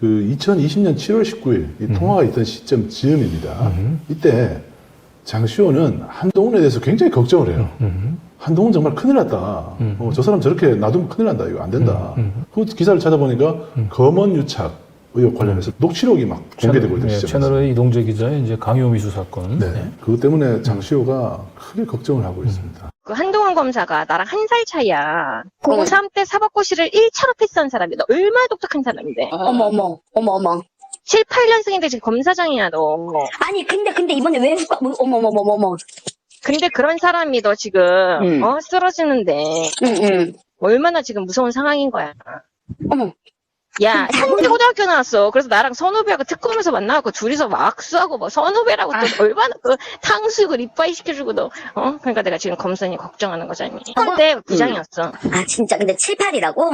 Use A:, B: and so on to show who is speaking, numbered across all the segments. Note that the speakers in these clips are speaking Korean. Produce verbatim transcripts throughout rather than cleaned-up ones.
A: 그 이천이십 년 칠월 십구일 이
B: 음.
A: 통화가 있던 시점 즈음입니다.
B: 음.
A: 이때 장시호는 한동훈에 대해서 굉장히 걱정을 해요.
B: 음.
A: 한동훈 정말 큰일 났다.
B: 음.
A: 어, 저 사람 저렇게 놔두면 큰일 난다. 이거 안 된다.
B: 음. 음.
A: 그 기사를 찾아보니까
B: 음.
A: 검언 유착 의혹 관련해서 녹취록이 막 공개되고 있던
B: 예,
A: 시점이었어요.
B: 채널의 이동재 기자의 이제 강요미수 사건.
A: 네.
B: 예.
A: 그것 때문에 장시호가 크게 걱정을 하고 있습니다.
C: 그 한동훈 검사가 나랑 한 살 차이야.
D: 어.
C: 공삼 때 사법고시를 일 차로 패스한 사람이 너 얼마나 똑똑한 사람인데.
D: 어머 어머 어머 어머.
C: 칠, 팔 년생인데 지금 검사장이야 너.
D: 아니 근데 근데 이번에 왜 후과 어머 어머 어머 어머.
C: 근데 그런 사람이 너 지금
D: 음.
C: 어 쓰러지는데
D: 응응.
C: 얼마나 지금 무서운 상황인 거야.
D: 어머.
C: 야, 현대고등학교 나왔어. 그래서 나랑 선후배하고 특검에서 만나갖고 둘이서 막수하고 뭐 선후배라고 또 얼마나 그 탕수육을 이빠이 시켜주고 너, 어? 그러니까 내가 지금 검사님 걱정하는 거잖니. 한때 부장이었어.
D: 아 진짜 근데 칠, 팔이라고?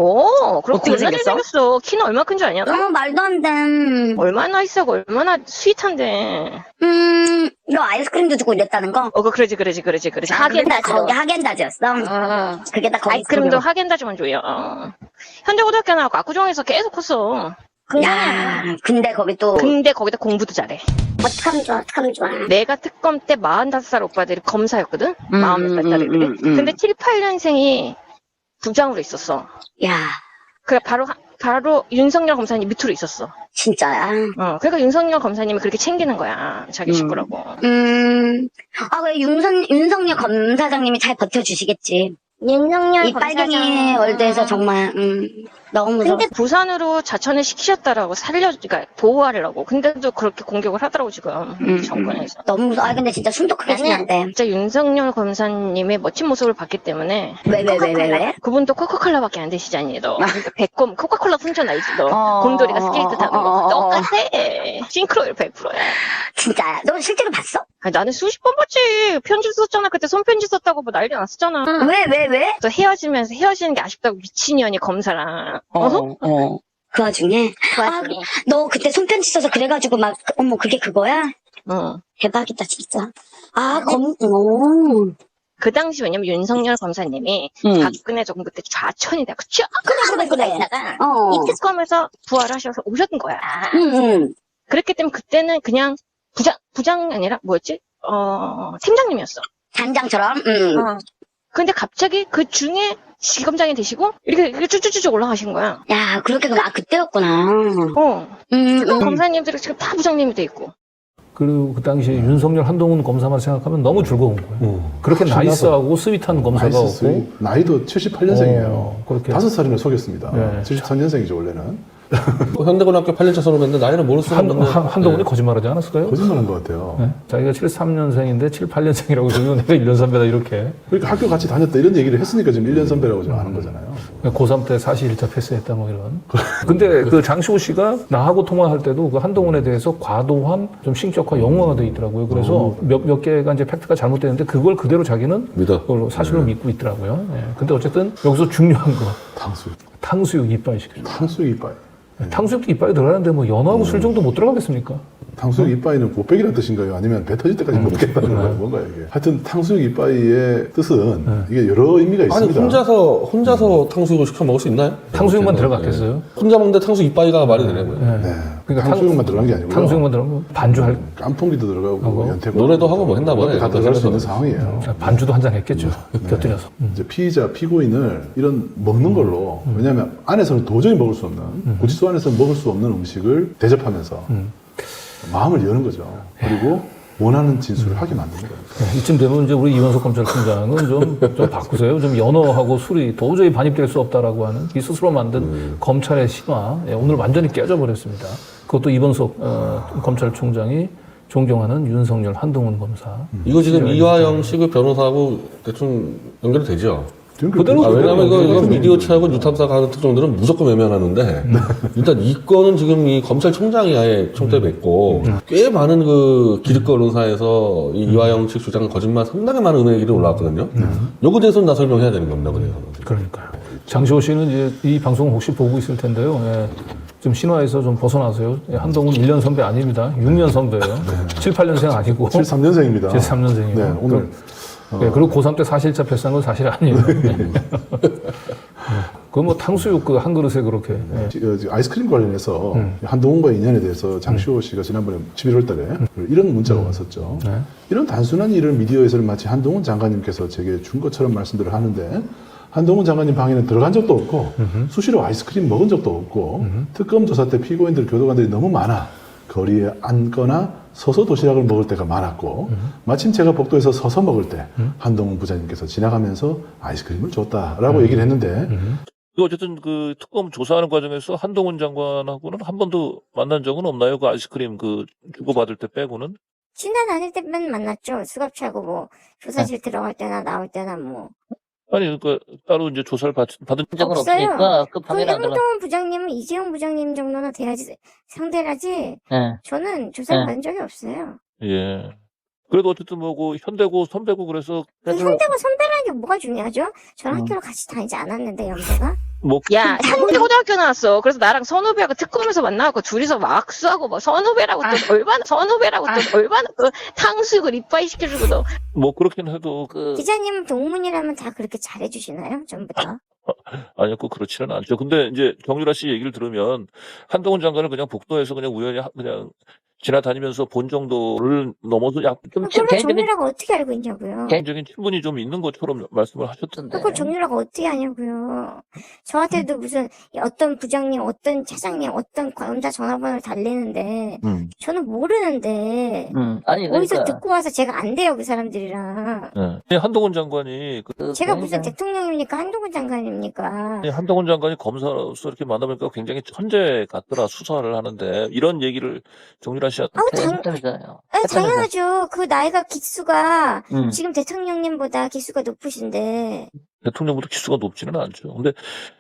C: 오, 그렇고
D: 어떻게
C: 얼마나
D: 생겼어?
C: 생겼어. 키는 얼마 큰 줄 아냐? 너?
D: 어 말도 안 돼.
C: 얼마나 있어고 얼마나 스윗한데.
D: 음, 너 아이스크림도 주고 이랬다는 거?
C: 어, 그 그러지, 그러지, 그러지, 그러지.
D: 아, 그게 다
C: 하겐다즈.
D: 거기 하겐다즈였어.
C: 어.
D: 그게 다 거기.
C: 아이스크림도 하겐다즈만 줘요. 어. 현대고등학교 나왔고 압구정에서 계속 컸어.
D: 야, 근데 거기 또
C: 근데 거기다 공부도 잘해.
D: 어떡하면 좋아, 어떡하면 좋아.
C: 내가 특검 때 마흔다섯 살 오빠들이 검사였거든?
D: 음,
C: 마흔몇
D: 음,
C: 살짜리들이.
D: 음, 음.
C: 근데 칠, 팔 년생이 부장으로 있었어.
D: 야,
C: 그래, 바로, 하- 바로 윤석열 검사님 밑으로 있었어.
D: 진짜야.
C: 어, 그러니까 윤석열 검사님이 그렇게 챙기는 거야. 자기
D: 음.
C: 식구라고.
D: 음, 아, 왜 윤선, 윤석열 검사장님이 잘 버텨주시겠지.
E: 윤석열
D: 이 빨갱이
E: 검사장.
D: 월드에서 정말, 음, 너무 무서워.
C: 근데 부산으로 자천을 시키셨다라고 살려, 그러니까 보호하려고. 근데도 그렇게 공격을 하더라고, 지금.
D: 음,
C: 정권에서.
D: 너무 무서워. 아, 근데 진짜 숨도 크게 쉬면 안 돼.
C: 진짜 윤석열 검사님의 멋진 모습을 봤기 때문에.
D: 왜, 왜, 왜, 왜, 왜?
C: 그분도 코카콜라밖에 안 드시잖니, 너. 그러니까 배꼽, 코카콜라 풍선 알지, 너.
D: 어,
C: 곰돌이가 스케이트 타는
D: 어, 어,
C: 거.
D: 어,
C: 똑같아. 싱크로율 백 퍼센트야.
D: 진짜야. 너 실제로 봤어?
C: 아니, 나는 수십 번 봤지. 편지 썼잖아. 그때 손편지 썼다고 뭐 난리 났었잖아.
D: 왜, 왜, 왜?
C: 또 헤어지면서 헤어지는 게 아쉽다고 미친년이 검사랑. 어?
D: 어. 그 와중에.
C: 그
D: 아,
C: 와중에.
D: 너 그때 손편지 써서 그래가지고 막, 어머, 그게 그거야?
C: 어.
D: 대박이다, 진짜. 아, 검, 오.
C: 그 당시 왜냐면 윤석열 검사님이
D: 응.
C: 박근혜 정부 때 좌천이 되고 쫙
D: 그래, 그래, 그래.
C: 다가
D: 어.
C: 이 특검에서 부활하셔서 오셨던 거야.
D: 응, 응.
C: 그렇기 때문에 그때는 그냥 부장, 부장이 아니라 뭐였지? 어, 팀장님이었어.
D: 단장처럼, 응.
C: 어. 근데 갑자기 그 중에 지검장이 되시고 이렇게, 이렇게 쭉쭉쭉 올라가신 거야.
D: 야, 그렇게, 그럼, 아, 그때였구나.
C: 어.
D: 음,
C: 특검
D: 음.
C: 검사님들이 지금 다 부장님이 돼 있고.
B: 그리고 그 당시에 윤석열 한동훈 검사만 생각하면 너무 즐거운 거예요.
A: 음.
B: 그렇게
A: 신나서.
B: 나이스하고 스윗한 검사가
A: 나이스
B: 없고.
A: 스윗. 나이도 칠십팔 년생이에요.
B: 어, 그렇게.
A: 다섯 살이나 속였습니다.
B: 네.
A: 칠십삼 년생이죠, 원래는.
F: 뭐 현대고등학교 팔 년 차 졸업했는데 나이는 모를 수가
B: 한,
F: 없는데
B: 한, 한동훈이
F: 네.
B: 거짓말하지 않았을까요?
A: 거짓말 한 것 같아요.
B: 네? 자기가 칠십삼 년생인데 칠십팔 년생이라고 그러고 내가 일 년 선배다 이렇게.
A: 그러니까 학교 같이 다녔다 이런 얘기를 했으니까 지금 일 년 선배라고 지금 아는 거잖아요.
B: 고삼 때 사실 일 차 패스했다 뭐 이런. 근데 그 장시호 씨가 나하고 통화할 때도 그 한동훈에 대해서 과도한 좀 신격화 영화가 돼 있더라고요. 그래서 몇, 몇 개가 이제 팩트가 잘못되는데 그걸 그대로 자기는
F: 믿어.
B: 그걸 사실로 믿고 있더라고요. 예. 근데 어쨌든 여기서 중요한 거.
A: 탕수육.
B: 탕수육 이빠이 시켜줘.
A: 탕수육 이빠이.
B: 탕수육도 이빠이 들어가는데 뭐 연어하고 술 정도 못 들어가겠습니까?
A: 탕수육 이빠이는 곱빼기란 뜻인가요? 아니면 배 터질 때까지 먹겠다는 거예요? 뭔가요, 이게? 하여튼 탕수육 이빠이의 뜻은 이게 여러 의미가
F: 아니
A: 있습니다.
F: 혼자서 혼자서 탕수육을 시켜 먹을 수 있나요?
B: 탕수육만
F: 네.
B: 들어갔겠어요?
F: 혼자 먹는데 탕수육 이빠이가 말이 되냐고요.
B: 네.
A: 네.
B: 그러니까
A: 탕수육만 들어간 게 아니고요.
B: 탕수육만 들어가면 반주할
A: 깐풍기도 들어가고
B: 하고,
A: 연태고
F: 노래도 하고 뭐 했나 보네.
A: 다 들어갈 수 있는
F: 그래서.
A: 상황이에요.
B: 반주도 한 잔 했겠죠. 곁들여서.
A: 이제 피의자, 피고인을 이런 먹는 걸로 왜냐하면 안에서는 도저히 먹을 수 없는 구치소 안에서 먹을 수 없는 음식을 대접하면서 마음을 여는 거죠. 그리고 원하는 진술을 하게 만드는 거예요.
B: 네, 이쯤 되면 이제 우리 이원석 검찰총장은 좀, 좀 바꾸세요. 좀 연어하고 술이 도저히 반입될 수 없다라고 하는 이 스스로 만든
F: 음.
B: 검찰의 신화. 예, 오늘 완전히 깨져버렸습니다. 그것도 이원석 어, 검찰총장이 존경하는 윤석열 한동훈 검사.
F: 이거 지금 이화영 씨그 변호사하고 대충 연결이 되죠.
B: 그대로
F: 아, 왜냐면 이거, 이거
A: 그대로
F: 미디어체하고 뉴탐사가 하는 특종들은 무조건 외면하는데 일단 이 건은 지금 이 검찰총장이 아예 총대 맺고 꽤 많은 그 기득권 언론사에서 이 이화영 측 주장은 거짓말 상당히 많은 은행이 올라왔거든요. 요거에 대해서는 나 설명해야 되는 겁니다. 그래서.
B: 그러니까요. 장시호 씨는 이제 이 방송 혹시 보고 있을 텐데요. 예. 좀 신화에서 좀 벗어나세요. 예, 한동훈 일 년 선배 아닙니다. 육 년 선배예요. 칠, 팔 년생 아니고.
A: 칠십삼 년생입니다.
B: 칠십삼 년생이에요.
A: 네, 오늘
B: 네, 그리고 고삼 때 사실자 패스한 건 사실 아니에요. 네. 그 뭐 탕수육 그 한 그릇에 그렇게. 예.
A: 지- 어, 지금 아이스크림 관련해서
B: 음.
A: 한동훈과 인연에 대해서 장시호 씨가 지난번에 십일월 달에 이런 문자가 왔었죠.
B: 네.
A: 이런 단순한 일을 미디어에서는 마치 한동훈 장관님께서 제게 준 것처럼 말씀들을 하는데 한동훈 장관님 방에는 들어간 적도 없고
B: 음흠.
A: 수시로 아이스크림 먹은 적도 없고 특검 조사 때 피고인들 교도관들이 너무 많아 거리에 앉거나 서서 도시락을 먹을 때가 많았고 마침 제가 복도에서 서서 먹을 때 한동훈 부장님께서 지나가면서 아이스크림을 줬다라고 얘기를 했는데
E: 그 어쨌든 그 특검 조사하는 과정에서 한동훈 장관하고는 한 번도 만난 적은 없나요? 그 아이스크림 그 주고받을 때 빼고는?
G: 지난 다닐 때만 만났죠. 수갑차고 뭐 조사실 들어갈 때나 나올 때나 뭐.
E: 아니 그 따로 이제 조사를 받, 받은
H: 적은
G: 없어요.
H: 없으니까 그
G: 그
H: 방해를 안 들어.
G: 한동훈 부장님은 이재용 부장님 정도나 돼야지 상대를 하지.
H: 예.
G: 저는 조사를
H: 네.
G: 받은 적이 없어요.
E: 예. 그래도 어쨌든 뭐고 현대고 선배고 그래서
G: 그
H: 그래도
G: 현대가 선배라는 게 뭐가 중요하죠? 저는
H: 음.
G: 학교를 같이 다니지 않았는데 연배가.
E: 뭐
C: 야, 상대고등학교 나왔어. 그래서 나랑 선후배하고 특검에서 만나고 둘이서 막 악수하고 뭐 선후배라고 또 얼마나 선후배라고 또 얼마나 그 탕수육을 이빠이 시켜주고 너.
E: 뭐 그렇긴 해도
H: 그
G: 기자님은 동문이라면 다 그렇게 잘해주시나요? 전부 다.
E: 아니요, 꼭 그렇지는 않죠. 근데 이제 정유라 씨 얘기를 들으면 한동훈 장관을 그냥 복도에서 그냥 우연히 하- 그냥 지나다니면서 본 정도를 넘어서 약간 좀
G: 그걸
H: 개인적인
G: 정유라가 어떻게 알고 있냐고요.
E: 개인적인 친분이 좀 있는 것처럼 말씀을 하셨던데.
G: 그걸 정유라가 어떻게 하냐고요. 저한테도 무슨 어떤 부장님, 어떤 차장님, 어떤 관자 전화번호를 달리는데
E: 음.
G: 저는 모르는데
H: 음 아니
G: 어디서
H: 그러니까
G: 듣고 와서 제가 안 돼요 그 사람들이랑.
E: 네. 한동훈 장관이 그
H: 그
G: 제가 무슨
H: 굉장히-
G: 대통령입니까 한동훈 장관입니까?
E: 한동훈 장관이 검사로서 이렇게 만나보니까 굉장히 천재 같더라 수사를 하는데 이런 얘기를 정유라 씨한테
G: 아우 당,
H: 했다면서요.
G: 아, 당연하죠. 그 나이가 기수가
H: 음.
G: 지금 대통령님보다 기수가 높으신데
E: 대통령보다 기수가 높지는 않죠. 근데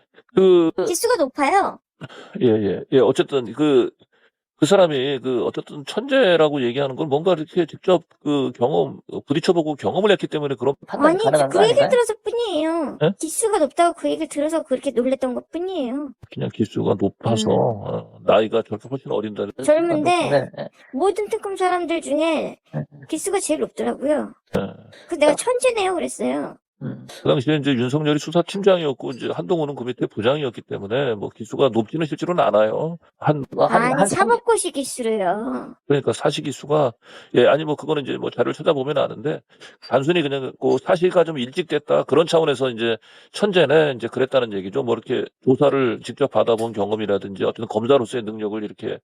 E: 그
G: 기수가 높아요.
E: 예, 예, 예. 어쨌든 그, 그 사람이 그 어쨌든 천재라고 얘기하는 건 뭔가 이렇게 직접 그 경험, 부딪혀보고 경험을 했기 때문에 그런
H: 판단이
G: 아니
H: 가능한
G: 그
H: 거
G: 얘기를
H: 아닌가요?
G: 들어서 뿐이에요.
E: 예?
G: 기수가 높다고 그 얘기를 들어서 그렇게 놀랬던 것 뿐이에요.
E: 그냥 기수가 높아서 어, 나이가 저렇게 훨씬 어린다.
G: 젊은데
H: 네, 네.
G: 모든 특검 사람들 중에
H: 네.
G: 기수가 제일 높더라고요.
E: 예.
G: 그 내가 천재네요 그랬어요.
H: 음.
E: 그 당시에 이제 윤석열이 수사팀장이었고 이제 한동훈은 그 밑에 부장이었기 때문에 뭐 기수가 높지는 실제로는 않아요. 한
H: 뭐 한,
G: 아니
H: 한 삼-
G: 사법고시 기수로요.
E: 그러니까 사시 기수가 예 아니 뭐 그거는 이제 뭐 자료를 찾아보면 아는데 단순히 그냥 그 사시가 좀 일찍 됐다 그런 차원에서 이제 천재네 이제 그랬다는 얘기죠. 뭐 이렇게 조사를 직접 받아본 경험이라든지 어떤 검사로서의 능력을 이렇게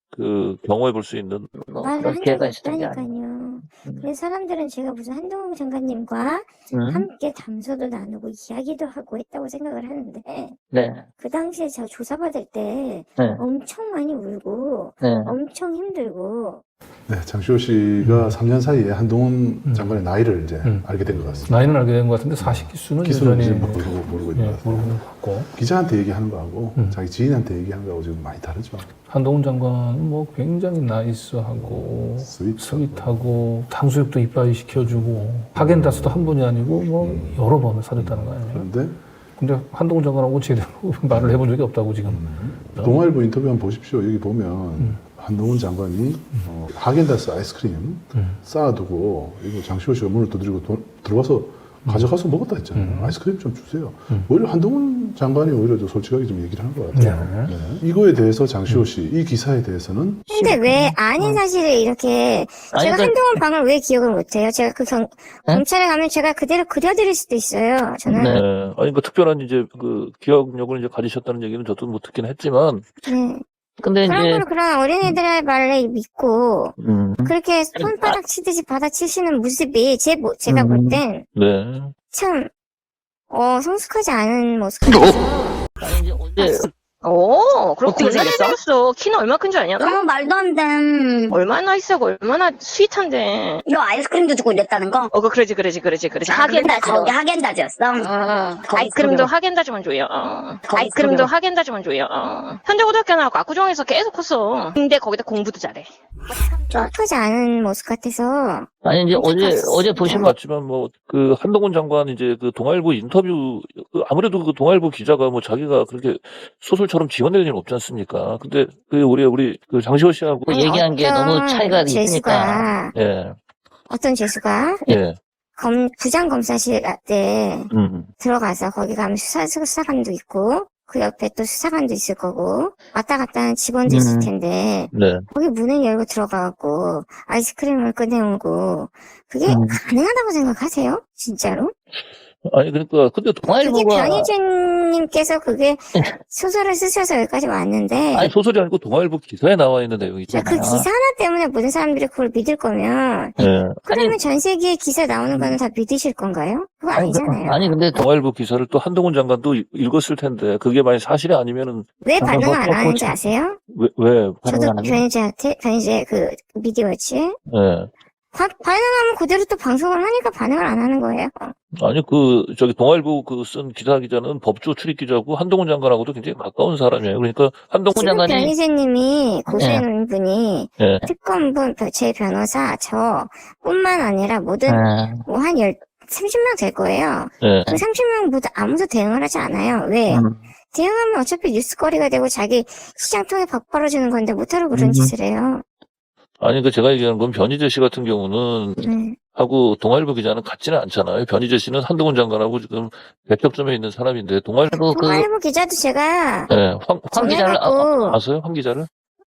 E: 그 경험해 볼 수 있는
H: 뭐
G: 말을
H: 그런
G: 한 적이
H: 기회가 있었던 게 아니에요.
G: 없다니까요.
H: 음.
G: 그래서 사람들은 제가 무슨 한동훈 장관님과
H: 음.
G: 함께 담소도 나누고 이야기도 하고 했다고 생각을 하는데
H: 네,
G: 그 당시에 제가 조사받을 때
H: 네,
G: 엄청 많이 울고
H: 네.
G: 엄청 힘들고
A: 네, 장시호 씨가 삼 년 사이에 한동훈
B: 음.
A: 장관의 나이를 이제
B: 음.
A: 알게 된 것 같습니다.
B: 나이는 알게 된 것 같은데 사실 기수는
A: 기수는
B: 여전히
A: 이제 모르고, 모르고 있는
B: 예,
A: 것 같아요.
B: 모르는 것 같고
A: 기자한테 얘기하는 거하고
B: 음.
A: 자기 지인한테 얘기하는 거하고 지금 많이 다르죠.
B: 한동훈 장관은 뭐 굉장히 나이스하고
A: 스윗하고.
B: 스윗하고 탕수육도 이빠이 시켜주고 하겐다스도 한 번이 아니고 뭐 여러 번을 사줬다는 거 아니에요.
A: 그런데
B: 근데 한동훈 장관하고 제대로 말을 해본 적이 없다고 지금.
A: 동아일보 인터뷰 한번 보십시오. 여기 보면
B: 음.
A: 한동훈 장관이 어, 하겐다스 아이스크림
B: 음.
A: 쌓아두고 이거 장시호 씨가 문을 두드리고 도- 들어와서 가져가서 먹었다 했잖아요.
B: 음.
A: 아이스크림 좀 주세요.
B: 음.
A: 오히려 한동훈 장관이 오히려 더 솔직하게 좀 얘기를 한 것 같아요.
B: 네.
A: 네. 이거에 대해서 장시호 씨, 이 기사에 대해서는
G: 근데 왜 아닌 사실을 이렇게
H: 아니,
G: 제가
H: 그-
G: 한동훈 방을 왜 기억을 못해요? 제가 그 경,
H: 네?
G: 검찰에 가면 제가 그대로 그려드릴 수도 있어요. 저는
H: 네.
E: 예, 아니 그 특별한 이제 그 기억력을 이제 가지셨다는 얘기는 저도 못 듣긴 했지만
G: 네.
H: 근데
G: 그런
H: 이제
G: 걸 그런 어린이들의 말을 믿고
E: 음,
G: 그렇게 손바닥 치듯이 받아치시는 모습이 제 모- 제가
H: 음.
G: 볼 땐
E: 네.
G: 참 어, 성숙하지 않은 모습 같아서
H: 아니, 이제 어제
C: 오, 그럼
H: 어떻게
C: 얼마나
H: 생겼어?
C: 생겼어? 키는 얼마 큰지 아냐?
D: 너무 말도 안 돼.
C: 얼마나 있어? 얼마나 스윗한데.
D: 너 아이스크림도 주고 이랬다는 거?
C: 어, 그 그러지, 그러지, 그러지, 그러지.
D: 하겐다즈,
C: 하겐다즈.
D: 거기 하겐다즈였어?
C: 어,
D: 거기
C: 아이스크림도
D: 그거.
C: 하겐다즈만 줘요. 어.
D: 거기
C: 아이스크림도
D: 그거.
C: 하겐다즈만 줘요. 어. 현대고등학교 나왔고 압구정에서 계속 컸어. 근데 거기다 공부도 잘해.
G: 성숙하지 않은 모습 같아서
H: 아니 이제 어제 어제 보시면
E: 맞지만 뭐 그 한동훈 장관 이제 그 동아일보 인터뷰 그 아무래도 그 동아일보 기자가 뭐 자기가 그렇게 소설처럼 지어낼 일은 없지 않습니까? 근데 그 우리 우리 그 장시호 씨하고
H: 그 얘기한 게
G: 어떤
H: 너무 차이가 있으니까.
G: 재수가
E: 예,
G: 어떤 재수가
E: 예.
G: 검, 부장검사실 때
E: 음.
G: 들어가서 거기 가면 수사, 수사관도 있고, 그 옆에 또 수사관도 있을 거고, 왔다 갔다 하는 직원도
H: 음.
G: 있을 텐데,
E: 네.
G: 거기 문을 열고 들어가고, 아이스크림을 꺼내오고, 그게
H: 음.
G: 가능하다고 생각하세요? 진짜로?
E: 아니 그러니까 근데
G: 그게
H: 동아일보가
G: 변희재님께서 그게 소설을 쓰셔서 여기까지 왔는데,
E: 아니 소설이 아니고 동아일보 기사에 나와 있는
G: 그
E: 내용이잖아요.
G: 기사 하나 때문에 모든 사람들이 그걸 믿을 거면,
E: 예.
G: 그러면 전 세계에 기사 나오는 거는 다 믿으실 건가요? 그거
H: 아니, 그-
G: 아니잖아요.
H: 아니 근데
E: 동아일보 기사를 또 한동훈 장관도 읽- 읽었을 텐데 그게 만약 사실이 아니면은
G: 왜 반응을
H: 뭐,
G: 안
H: 뭐,
G: 하는지
H: 뭐,
G: 아세요?
E: 왜 왜?
H: 반응을
G: 저도
H: 안 하죠?
G: 변희재한테, 변희재 그 미디어워치에
E: 예.
G: 바- 반응하면 그대로 또 방송을 하니까 반응을 안 하는 거예요.
E: 아니 그 저기 동아일보 그 쓴 기사 기자는 법조 출입 기자고 한동훈 장관하고도 굉장히 가까운 사람이에요. 그러니까 한동훈
G: 지금
E: 장관이
G: 변희재님이 고소해 놓은 분이
E: 예.
G: 특검분, 제 변호사, 저뿐만 아니라 모든
H: 예.
G: 뭐 한 열, 삼십 명 될 거예요.
E: 예.
G: 그 삼십 명 모두 아무도 대응을 하지 않아요. 왜?
H: 음.
G: 대응하면 어차피 뉴스거리가 되고 자기 시장 통에 박 벌어지는 건데 못하러 그런
H: 음.
G: 짓을 해요.
E: 아니 그 제가 얘기하는 건 변희재 씨 같은 경우는
G: 네.
E: 하고 동아일보 기자는 같지는 않잖아요. 변희재 씨는 한동훈 장관하고 지금 대척점에 있는 사람인데 동아일보
H: 그리고 그
G: 동아일보 기자도 제가
E: 예, 황,
H: 황 기자를 아,
G: 전화하고
E: 아세요? 황 기자를?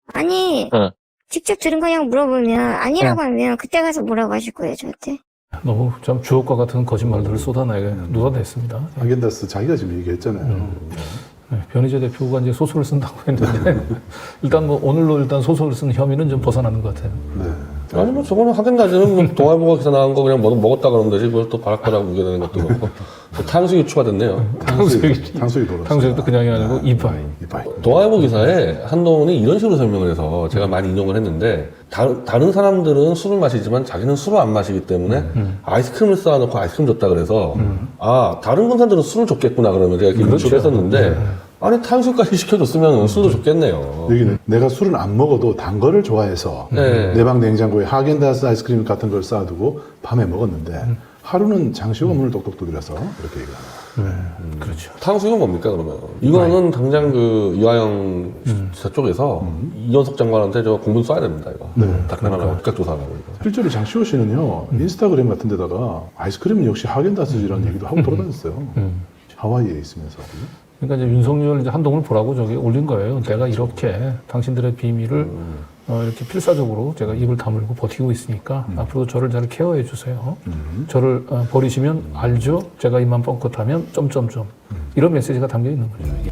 G: 아니
E: 네.
G: 직접 들은 거냐고 물어보면 아니라고 하면 그때 가서 뭐라고 하실 거예요 저한테?
B: 너무 참 주옥과 같은 거짓말들을 쏟아내게 쏟아냈습니다.
A: 아겐다스 자기가 지금 얘기했잖아요.
B: 네, 변희재 대표가 이제 소설을 쓴다고 했는데 일단 뭐 오늘로 일단 소설을 쓴 혐의는 좀 벗어나는 것 같아요.
A: 네.
F: 아니 뭐 저거는 하겐다즈는 뭐 동아일보가 기사 나온 거 그냥 먹, 먹었다 그러면 되지 그걸 또 바락바락 우겨내는 것도 그렇고 뭐 탕수육이 추가됐네요.
A: 탕수육이, 탕수육이 돌았어요.
B: 탕수육도 그냥이 아니고 이파이.
A: 이파이.
F: 동아일보 기사에 한동훈이 이런 식으로 설명을 해서 제가 많이 인용을 했는데 다, 다른 사람들은 술을 마시지만 자기는 술을 안 마시기 때문에 아이스크림을 쌓아놓고 아이스크림 줬다 그래서 아 다른 군사들은 술을 줬겠구나 그러면 제가 이렇게
B: 그렇죠.
F: 유추를 했었는데 아니 탕수육까지 시켜줬으면 술도 줬겠네요.
A: 여기는 내가 술은 안 먹어도 단 거를 좋아해서
F: 네.
A: 내 방 냉장고에 하겐다스 아이스크림 같은 걸 쌓아두고 밤에 먹었는데 하루는 장시호가 문을 똑똑 두드려서 이렇게 얘기를 합니다.
B: 그렇죠.
F: 탕수육은 뭡니까 그러면? 이거는 당장 그 이화영 지사 쪽에서 이현석 장관한테 저 공문 써야 됩니다 이거.
A: 네.
F: 닥달하라고 즉각 조사하라고 이거.
A: 실제로 장시호 씨는요 인스타그램 같은 데다가 아이스크림은 역시 하겐다스라는 얘기도 하고 돌아다녔어요.
B: 음.
A: 하와이에 있으면서.
B: 그러니까 이제 윤석열 이제 한동훈을 보라고 저기 올린 거예요. 내가 이렇게 당신들의 비밀을 어, 이렇게 필사적으로 제가 입을 다물고 버티고 있으니까 앞으로도 저를 잘 케어해 주세요.
A: 음.
B: 저를 어, 버리시면 알죠? 제가 입만 뻥끗하면 점점점 이런 메시지가 담겨 있는 거죠. 이게.